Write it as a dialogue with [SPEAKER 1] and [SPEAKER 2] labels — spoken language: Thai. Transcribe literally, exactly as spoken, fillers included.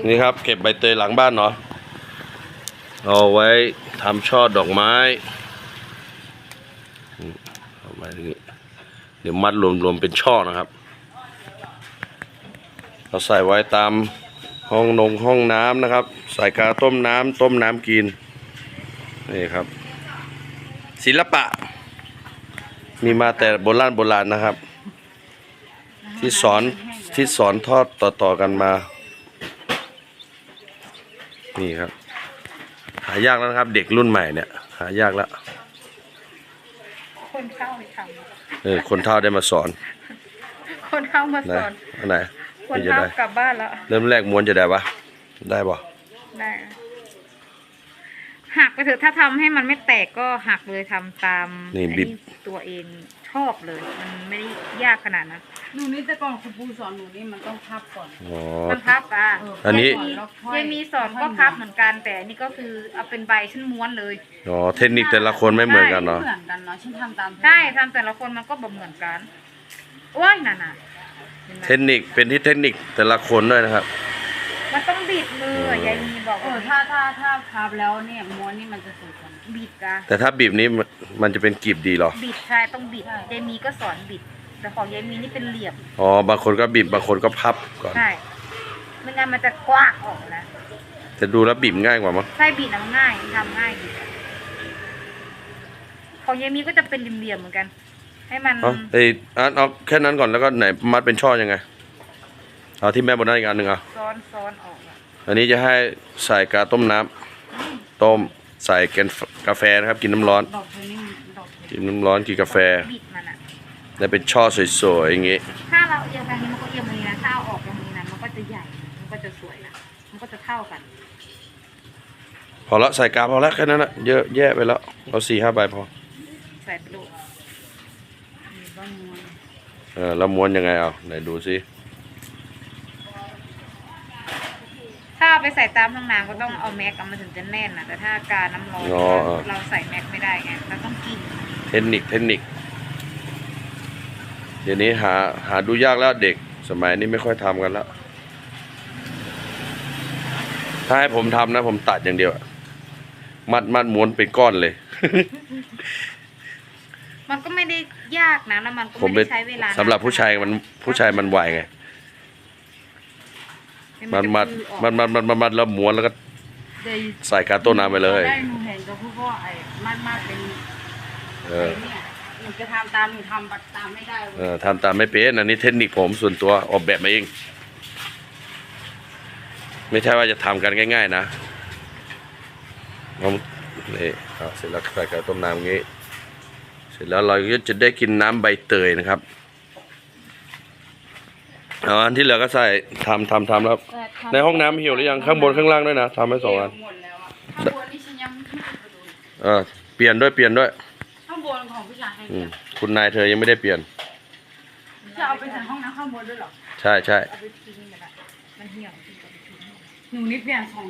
[SPEAKER 1] นี่ครับเก็บใบเตยหลังบ้านเนาะเอาไว้ทำช่อดอกไม้เอาไว้ตรงนี้เดี๋ยวมัดรวมๆเป็นช่อนะครับเราใส่ไว้ตามห้องนงห้องน้ำนะครับใส่กาต้มน้ำต้มน้ำกินนี่ครับศิลปะมีมาแต่โบราณโบราณนะครับที่สอนที่สอนทอดต่อๆกันมานี่ครับหายากแล้วนะครับเด็กรุ่นใหม่เนี่ยหายากแล้ว
[SPEAKER 2] คนเข้าไปท
[SPEAKER 1] ำเออคนเฒ่าได้มาสอน
[SPEAKER 2] คนเข้ามาสอน
[SPEAKER 1] อันไหน
[SPEAKER 2] คนเข้ากลับบ้านแล้ว
[SPEAKER 1] เริ่มแรกม้วนจะได้ปะได้ปะ
[SPEAKER 2] ได้หักไปเถอะถ้าทำให้มันไม่แตกก็หักเลยทำตามนี่บิบตัวเองชอบเลยมันไม่ได้ยากขนาดนั้น
[SPEAKER 3] หนูนี่แต่ก่อนครูปูสอนหนูนี่มันต้องพับก่อน
[SPEAKER 2] มันพับอ่ะ
[SPEAKER 1] อันนี้
[SPEAKER 2] ยังมีสอนก็พับเหมือนกันแต่นี่ก็คือเอาเป็นใบชั้นม้วนเลย
[SPEAKER 1] อ๋อเทคนิคแต่ละคนไม่เหมือนกันเนาะ
[SPEAKER 3] เหมือนกันเนาะฉันทำตาม
[SPEAKER 2] ใช่ทำแต่ละคนมันก็แบบเหมือนกันโอ้ยน่ะน่ะ
[SPEAKER 1] เทคนิคเป็นที่เทคนิคแต่ละคนด้วยนะครับ
[SPEAKER 2] มันต้องบิดมือยายมีบอก
[SPEAKER 3] เออถ้าถ้าถ้าพับแล้วเนี่ยม้วนนี่มันจะสวยกว่า
[SPEAKER 2] บิดกัน
[SPEAKER 1] แต่ถ้าบีบนี้มันจะเป็นกลีบดีหรอ
[SPEAKER 2] บิดใช่ต้องบิดยายมีก็สอนบิดแต่ของยายมีนี่เป็นเหลี่ยม
[SPEAKER 1] อ๋อบางคนก็บีบบางคนก็พับก่อน
[SPEAKER 2] ใช่ไม่งั้นมันจะกว้างออกนะ
[SPEAKER 1] แต่ดูแล้วบีบง่ายกว่ามั้ง
[SPEAKER 2] ใช่บิดน้ำง่ายทำง่ายดีของยายมีก็จะเป็นเหลี่ยมๆเหมือนกันให้มัน
[SPEAKER 1] เอาไอ้อันเอาแค่นั้นก่อนแล้วก็ไหนมัดเป็นช่อยังไงเอาที่แม่บนนั้นอีกอันหนึ่งเอา
[SPEAKER 2] ซ้อนซ้อนออก
[SPEAKER 1] อันนี้จะให้ใส่กาต้มน้ำต้มใส่แกนกาแฟนะครับกินน้ำร้อนกินน้ำร้อนกินกาแฟแล้วเป็นช่อสวยๆอย่างงี้
[SPEAKER 2] ถ้าเราเอียงแบบนี้มันก็เอียงแบบนี้นะถ้าเอาออกแบบนี้นะมันก็จะใหญ่มันก็จะสวยนะมันก็จะเท่ากัน
[SPEAKER 1] พอละใส่กาพอละแค่นั้นนะเยอะแยะไปแล้วเอาสี่ห้าใบพอ
[SPEAKER 2] ใส่ไปดู
[SPEAKER 1] เออแล้วม้วนยังไงเอาไหนดูซิ
[SPEAKER 2] ถ้าไปใส่ตามห้องน้ำก็ต้องเอาแม็กมันถึงจะแน่นนะแต่ถ้าการน้ำร้อนเราใส่แม็กไม่ได้ไงเราต้องกิน
[SPEAKER 1] เทคนิคเทคนิคเดี๋ยวนี้หาหาดูยากแล้วเด็กสมัยนี้ไม่ค่อยทำกันแล้วถ้าให้ผมทำนะผมตัดอย่างเดียวมัดมัดม้วนเป็นก้อนเลย
[SPEAKER 2] มันก็ไม่ได้ยากนะแล้วมันก็ไม่ได้ใช้เวลา
[SPEAKER 1] สำหรับผู้ชายมันผู้ชายมันไวไงมันมัดมันมัดมันมัดแล้วม้วนแล้วก็ใส่กาต้นน้ำไปเลย
[SPEAKER 3] ได้หนูเห็นก็พูดว่าไอ้มัดมัดเป็นเออหนูจะทำตามหนูทำตามไม่ได้
[SPEAKER 1] เออทำตามไม่เป็นอันนี้เทคนิคผมส่วนตัวออกแบบมาเองไม่ใช่ว่าจะทำกันง่ายๆนะผมนี่เสร็จแล้วใส่กาต้มน้ำอย่างนี้เสร็จแล้วเราก็จะได้กินน้ำใบเตยนะครับเอาอันที่เหลือก็ใส่ทำทำทำแล้วในห้องน้ำเหี่ยวหรือยังข้างบนข้างล่างด้วยนะทำให้สองอันเออเปลี่ยนด้วยเปลี่ยนด้วย
[SPEAKER 3] ข้างบนของผู้ชายให้
[SPEAKER 1] คุณนายเธอยังไม่ได้เปลี่ยน
[SPEAKER 3] จะเอาไปใส่ห้องน้ำข้างบนด้วยหรอ
[SPEAKER 1] ใช่ใช่
[SPEAKER 3] หนูนี่เปลี่ยนสอง